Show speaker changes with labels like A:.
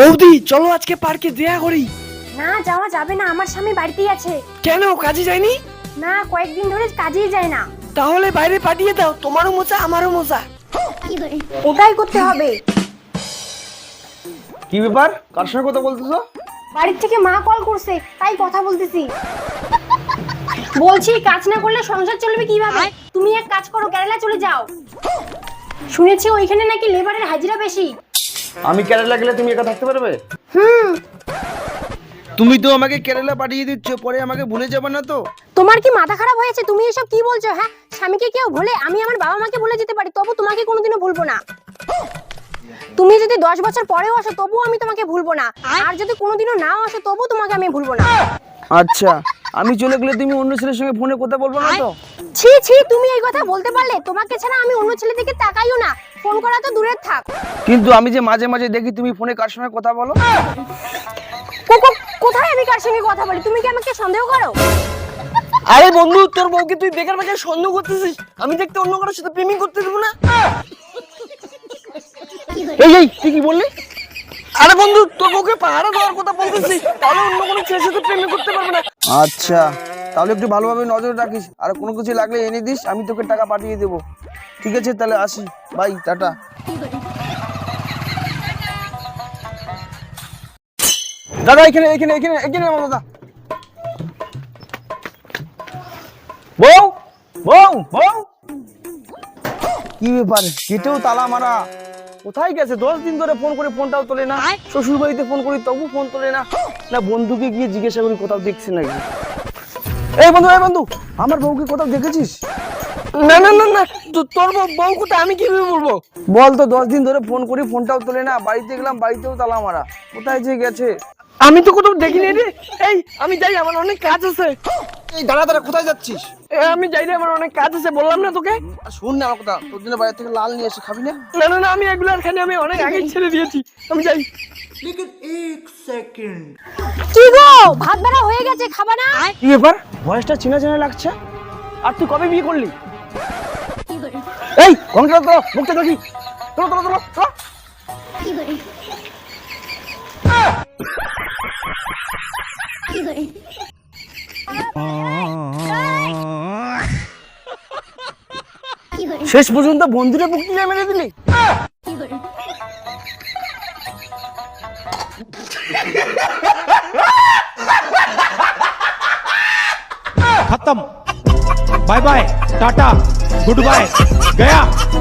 A: বৌদি চলো আজকে পার্কে দেখা করি।
B: না যাওয়া যাবে না, আমার স্বামী বাড়িতেই আছে।
A: কেন কাজে যায়নি?
B: না, কয়েকদিন ধরে কাজেই যায় না।
A: তাহলে বাইরে পাঠিয়ে দাও, তোমারও মজা আমারও মজা।
B: ওটাই করতে হবে।
C: কি ব্যাপার, কার সঙ্গে কথা বলতেছো?
B: বাড়ির থেকে মা কল করছে, তাই কথা বলতেছি। বলছি কাজ না করলে সংসার চলবে কিভাবে? তুমি এক কাজ করো, কেরালা চলে যাও। শুনেছি ওইখানে নাকি লেবারের হাজিরা বেশি।
C: আমি কেরালা গেলে তুমি একা থাকতে পারবে?
D: তুমি তো আমাকে কেরালা পাঠিয়ে দিচ্ছ, পরে আমাকে ভুলে যাবে না তো?
B: তোমার কি মাথা খারাপ হয়েছে? তুমি এসব কি বলছো? হ্যাঁ, স্বামীকে কেউ ভুলে? আমি আমার বাবা মাকে ভুলে যেতে পারি, তবু তোমাকে কোনোদিনও ভুলবো না। তুমি যদি 10 বছর পরেও আসো তবু আমি তোমাকে ভুলবো না, আর যদি কোনোদিনও নাও আসো তবু তোমাকে আমি ভুলবো না।
D: আচ্ছা, আমি চলে গেলে তুমি অন্য ছেলের সঙ্গে ফোনে কথা বলবো না তো?
B: ছি ছি, তুমি এই কথা বলতে পারলে? তোমাকে ছাড়া আমি অন্য ছেলে দিকে তাকাইও না, ফোন করা তো দূরের থাক।
D: কিন্তু আমি যে মাঝে মাঝে দেখি তুমি ফোনে কার সঙ্গে কথা বলো।
B: কোথায় আমি কার সঙ্গে কথা বলি? তুমি কি আমাকে সন্দেহ করো?
A: আরে বন্ধু, তোর বউকে তুই বেকার বেকার সন্দেহ করতেছিস। আমি দেখতে অন্য কারোর সাথে প্রেমিং করতে দেবো না।
D: এই তুই কি বললি?
A: আরে বন্ধু, তোর বউকে পাহারা দেওয়ার কথা বলতেছি, তাহলে অন্য কোনো ছেলের সাথে প্রেমিং করতে পারবে না।
D: আচ্ছা, তাহলে একটু ভালোভাবে নজর রাখিস, আর কোনো কিছু লাগলে এনে দিস, আমি তোকে টাকা পাঠিয়ে দেবো। ঠিক আছে, তাহলে আসি, বাই, টাটা।
C: দাদা এখানে এখানে এখানে এখানে আমার দাদা। বউ বউ বউ,
D: কি ব্যাপার, গেটেও তালা মারা?
C: কোথায় গেছে? 10 দিন ধরে ফোন করে ফোনটাও তোলে না। শ্বশুর বাড়িতে ফোন করি তবু ফোন তোলে না। না বন্ধুকে গিয়ে জিজ্ঞাসা করি কোথাও দেখছি নাকি। এই বন্ধু,
D: আমার বউকে কোথাও দেখেছিস?
A: না না না না, তোর বউ কোথায়? আমি কিভাবে বলবো?
D: বল তো, 10 দিন ধরে ফোন করি ফোনটাও তোলে না, বাড়িতে গেলাম বাড়িতেও তালা মারা, কোথায় যে গেছে?
A: আমি তো কোথাও দেখিনি রে। এই আমি যাই, আমার অনেক কাজ আছে।
D: এই দাঁড়া দাঁড়া, কোথায় যাচ্ছিস?
A: আমি যাই রে, আমার অনেক কাজ আছে, বললাম না তোকে?
D: আর শোন না আমার কথা, তোর জন্য বাইরে থেকে লাল নিয়ে এসে খাবি না?
A: না না না, আমি এগুলো আর খানি, আমি অনেক আগে ছেড়ে দিয়েছি। আমি যাই।
B: কি গো, ভাত বেড়া হয়ে গেছে, খাবা না?
C: কি ব্যাপার, ভয়েসটা চেনা চেনা লাগছে। আর তুই কবে বিয়ে করলি? এই ঘন্টা তো মুখটা দেখি। তোলো তোলো তোলো তোলো। শেষ পর্যন্ত বন্ধুরে বুক নিয়ে মেরে দিলি?
E: खत्म। Bye bye, tata, good bye, गया।